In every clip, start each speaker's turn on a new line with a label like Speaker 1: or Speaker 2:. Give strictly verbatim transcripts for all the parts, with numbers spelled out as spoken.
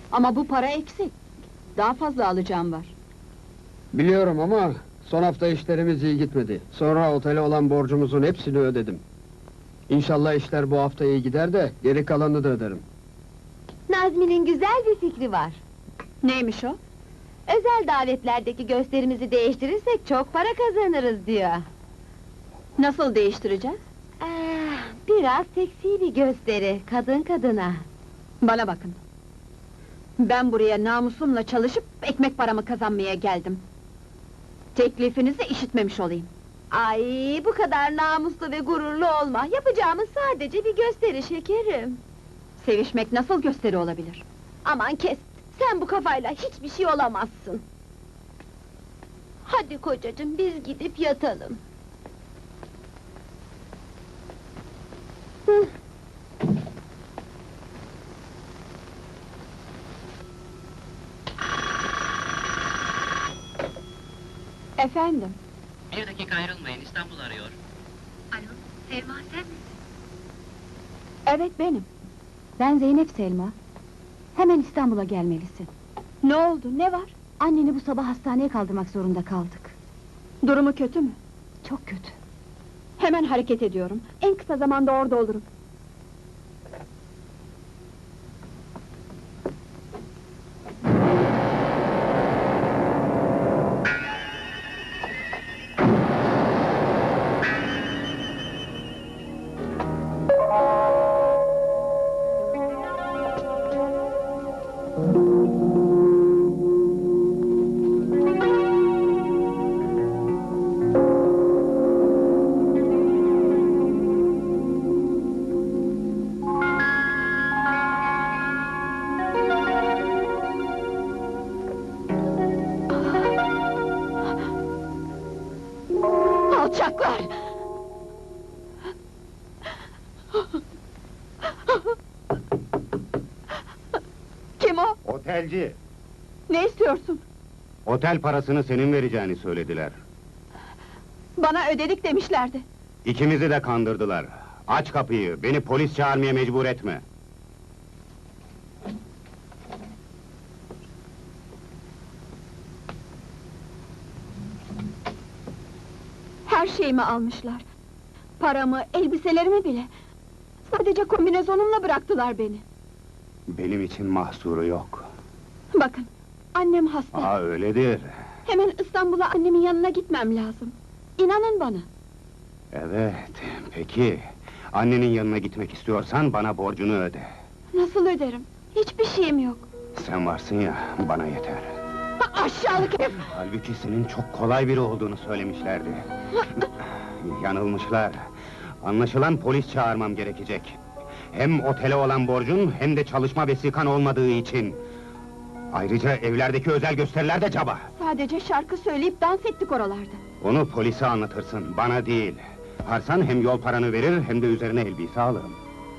Speaker 1: Ama bu para eksik. Daha fazla alacağım var.
Speaker 2: Biliyorum ama son hafta işlerimiz iyi gitmedi. Sonra otele olan borcumuzun hepsini ödedim. İnşallah işler bu hafta iyi gider de geri kalanını da öderim.
Speaker 3: Nazmi'nin güzel bir fikri var.
Speaker 1: Neymiş o?
Speaker 3: Özel davetlerdeki gösterimizi değiştirirsek çok para kazanırız diyor.
Speaker 1: Nasıl değiştireceğiz?
Speaker 3: Ah, biraz seksi bir gösteri, kadın kadına.
Speaker 1: Bana bakın. Ben buraya namusumla çalışıp ekmek paramı kazanmaya geldim. Teklifinizi işitmemiş olayım.
Speaker 3: Ay, bu kadar namuslu ve gururlu olma. Yapacağımız sadece bir gösteri şekerim.
Speaker 1: Sevişmek nasıl gösteri olabilir?
Speaker 3: Aman kes, sen bu kafayla hiçbir şey olamazsın. Hadi kocacığım, biz gidip yatalım. Hı.
Speaker 1: Efendim?
Speaker 4: Bir dakika ayrılmayın, İstanbul arıyor.
Speaker 3: Alo, Selma sen misin?
Speaker 1: Evet benim.
Speaker 5: Ben Zeynep Selma. Hemen İstanbul'a gelmelisin.
Speaker 1: Ne oldu, ne var?
Speaker 5: Anneni bu sabah hastaneye kaldırmak zorunda kaldık.
Speaker 1: Durumu kötü mü?
Speaker 5: Çok kötü.
Speaker 1: Hemen hareket ediyorum. En kısa zamanda orada olurum. Alçaklar! Kim o?
Speaker 6: Otelci!
Speaker 1: Ne istiyorsun?
Speaker 6: Otel parasını senin vereceğini söylediler.
Speaker 1: Bana ödedik demişlerdi.
Speaker 6: İkimizi de kandırdılar. Aç kapıyı, beni polis çağırmaya mecbur etme.
Speaker 1: Her şeyimi almışlar. Paramı, elbiselerimi bile. Sadece kombinezonumla bıraktılar beni.
Speaker 6: Benim için mahsuru yok.
Speaker 1: Bakın, annem hasta.
Speaker 6: Aa, öyledir.
Speaker 1: Hemen İstanbul'a annemin yanına gitmem lazım. İnanın bana.
Speaker 6: Evet, peki. Annenin yanına gitmek istiyorsan bana borcunu öde.
Speaker 1: Nasıl öderim? Hiçbir şeyim yok.
Speaker 6: Sen varsın ya, bana yeter.
Speaker 1: Ha, aşağılık herif!
Speaker 6: Halbuki senin çok kolay biri olduğunu söylemişlerdi. Yanılmışlar. Anlaşılan polis çağırmam gerekecek. Hem otele olan borcun, hem de çalışma vesikan olmadığı için. Ayrıca evlerdeki özel gösteriler de caba.
Speaker 1: Sadece şarkı söyleyip dans ettik oralarda.
Speaker 6: Onu polise anlatırsın, bana değil. Yaparsan hem yol paranı verir, hem de üzerine elbise alırım.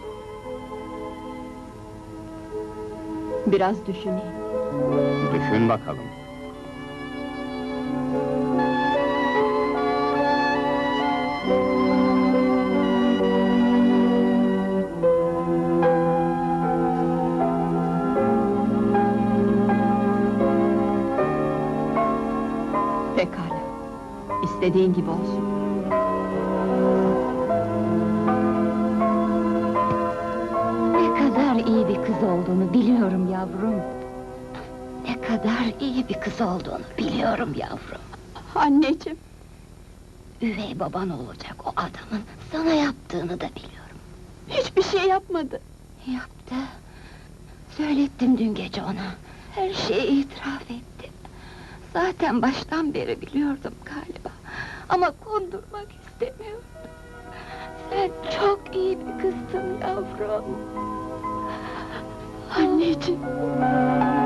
Speaker 1: Biraz düşüneyim.
Speaker 6: Düşün bakalım.
Speaker 1: Pekala. İstediğin gibi olsun.
Speaker 5: Ne kadar iyi bir kız olduğunu biliyorum yavrum. Ne kadar iyi bir kız olduğunu biliyorum yavrum.
Speaker 1: Anneciğim!
Speaker 5: Üvey baban olacak o adamın sana yaptığını da biliyorum.
Speaker 1: Hiçbir şey yapmadı.
Speaker 5: Yaptı. Söylettim dün gece ona. Her şeyi itiraf etti. Zaten baştan beri biliyordum galiba. Ama kondurmak istemiyordum. Sen çok iyi bir kızsın yavrum.
Speaker 1: Anneciğim!